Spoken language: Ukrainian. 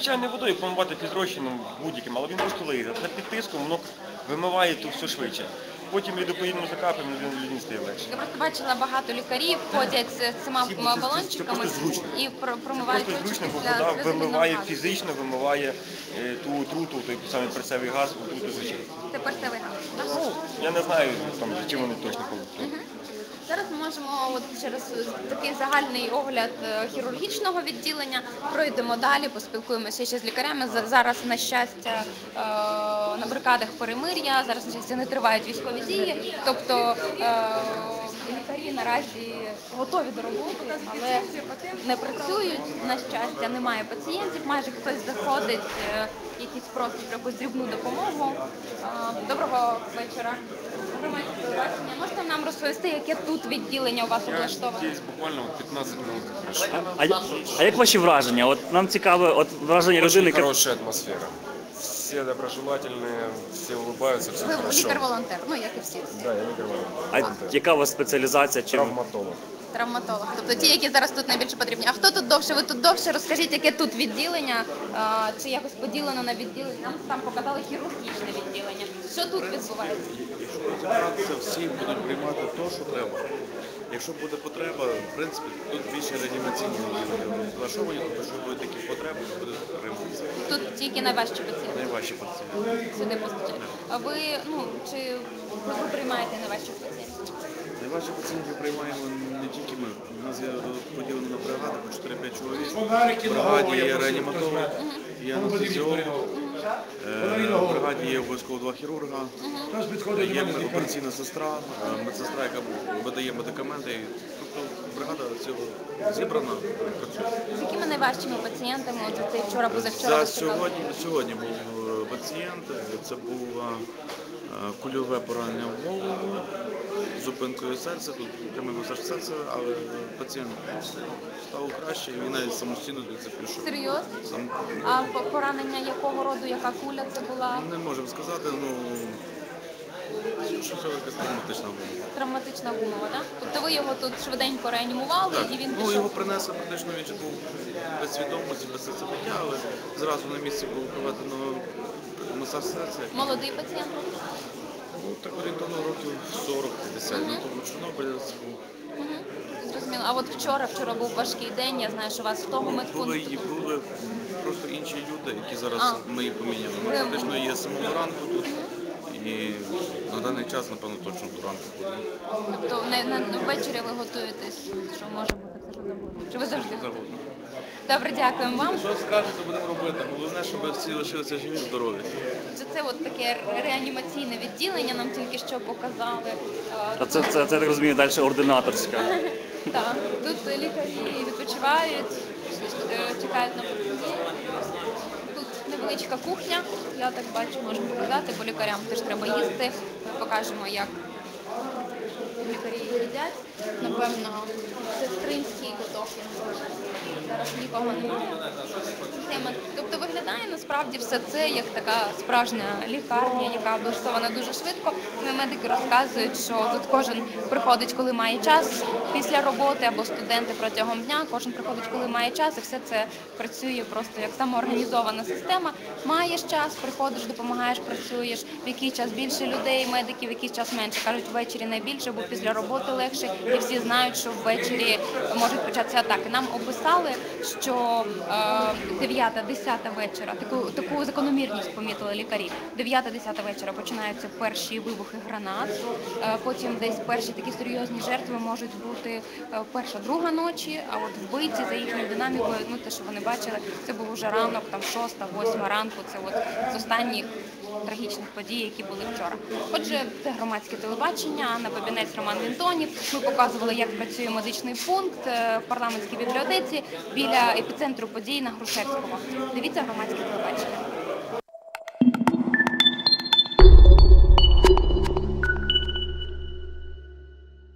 звичайною водою, помивати фізрозчином будь-яким, але він просто лизе. Це під тиском, воно вимиває то все швидше. Потім лідопоїдним закапаємо, людині стає легше. Я просто бачила, багато лікарів ходять з цими балончиками і промивають очі після після вода вимиває газу. фізично, вимиває ту отруту, той самий перцевий газ, отруту з очей. Це перцевий газ. Ну, я не знаю, там, чим вони точно ходять. Зараз ми можемо через такий загальний огляд хірургічного відділення пройдемо далі, поспілкуємося ще з лікарями. Зараз, на щастя, на бригадах перемир'я, зараз, на щастя, не тривають військові дії, тобто лікарі наразі готові до роботи, але не працюють, на щастя, немає пацієнтів, майже хтось заходить, якийсь просить про якусь дрібну допомогу. Доброго вечора. Можете нам розповісти, яке тут відділення у вас облаштоване? Здесь буквально 15 минут. А як ваші враження? От нам цікаве враження людини. Очень хорошая атмосфера. Все доброжелательные, все улыбаются, все Ви хорошо. лікар-волонтер, ну як і всі. Да, я лікар-волонтер. А яка у вас спеціалізація? Травматолог. Травматолог. Тобто ті, які зараз тут найбільше потрібні. А хто тут довше? Ви тут довше? Розкажіть, яке тут відділення? Чи якось поділено на відділення? Нам там показали хірургічне відділення. Що тут відбувається? Якщо всі будуть приймати те, що треба. Якщо буде потреба, в принципі, тут більше реанімаційні відділення влаштовані, тому що будуть такі потреби, то буде прийматися. Тут тільки найважчі пацієнти. Найважчі пацієнти. Сюди постачають. А ви, чи ви приймаєте найважчих пацієнтів? Найважчі пацієнтів приймаємо не тільки ми. У нас є поділено на бригади по 4-5 чоловік. В бригаді є реаніматолог, є анестезіолог. В бригаді є обов'язково 2 хірурга, є операційна сестра, медсестра, яка видає медикаменти. Тобто бригада цього зібрана, працює. З якими найважчими пацієнтами от ти вчора, позавчора? Сьогодні був пацієнт, це було кульове поранення в голову, зупинкою серця, тут прямий масаж серця, але пацієнт став краще, і він навіть самостійно звідси пішов. Серйозно? А поранення якого роду, яка куля це була? Не можемо сказати, що це якась травматична гума. Травматична гумова, так? Тобто ви його тут швиденько реанімували і він пішов? Його принесли практично, він був без свідомості, без серцебиття, але зразу на місці було проведено масаж серця. Молодий пацієнт? Так орієнтовно років 40-50, тому Чорнобиля це був. Зрозуміло. А от вчора був важкий день, я знаю, що у вас в того медпункту. Були просто інші люди, які зараз ми їх поміняли. Ми практично є з самого ранку тут. І на даний час, напевно, точно до ранку буде. Тобто ввечері ви готуєтесь, що може бути все, що завгодно? Чи ви завжди? Завгодно. Добре, дякуємо вам. Що скажете, будемо робити. Головне, щоб всі лишилися живі, здорові. Це от таке реанімаційне відділення, нам тільки що показали. А це я так розумію, далі ординаторська. Так, тут лікарі відпочивають, чекають на пацієнтів. Тут невеличка кухня, я так бачу, можу показати, бо лікарям теж треба їсти. Покажемо, як лікарі їдять. Напевно, сестринський куток. Зараз нікого немає. Тобто виглядає насправді все це як така справжня лікарня, яка облаштована дуже швидко. Медики розказують, що тут кожен приходить, коли має час після роботи, або студенти протягом дня. Кожен приходить, коли має час, і все це працює просто як самоорганізована система. Маєш час, приходиш, допомагаєш, працюєш. В який час більше людей, медиків, в який час менше. Кажуть, ввечері найбільше, бо після роботи легше. І всі знають, що ввечері можуть початися атаки. Нам описали, що 9-10 вечора, таку закономірність помітили лікарі. 9-10 вечора починаються перші вибухи гранат, потім десь перші такі серйозні жертви можуть бути перша, друга ночі, а от вбивці за їхньою динамікою, те, що вони бачили, це був уже ранок, там 6-8 ранку, це от з останніх трагічних подій, які були вчора. Отже, це громадське телебачення, Анна Бабінець, Роман Вінтонів. Ми показували, як працює медичний пункт в парламентській бібліотеці біля епіцентру подій на Грушевського. Дивіться громадське телебачення.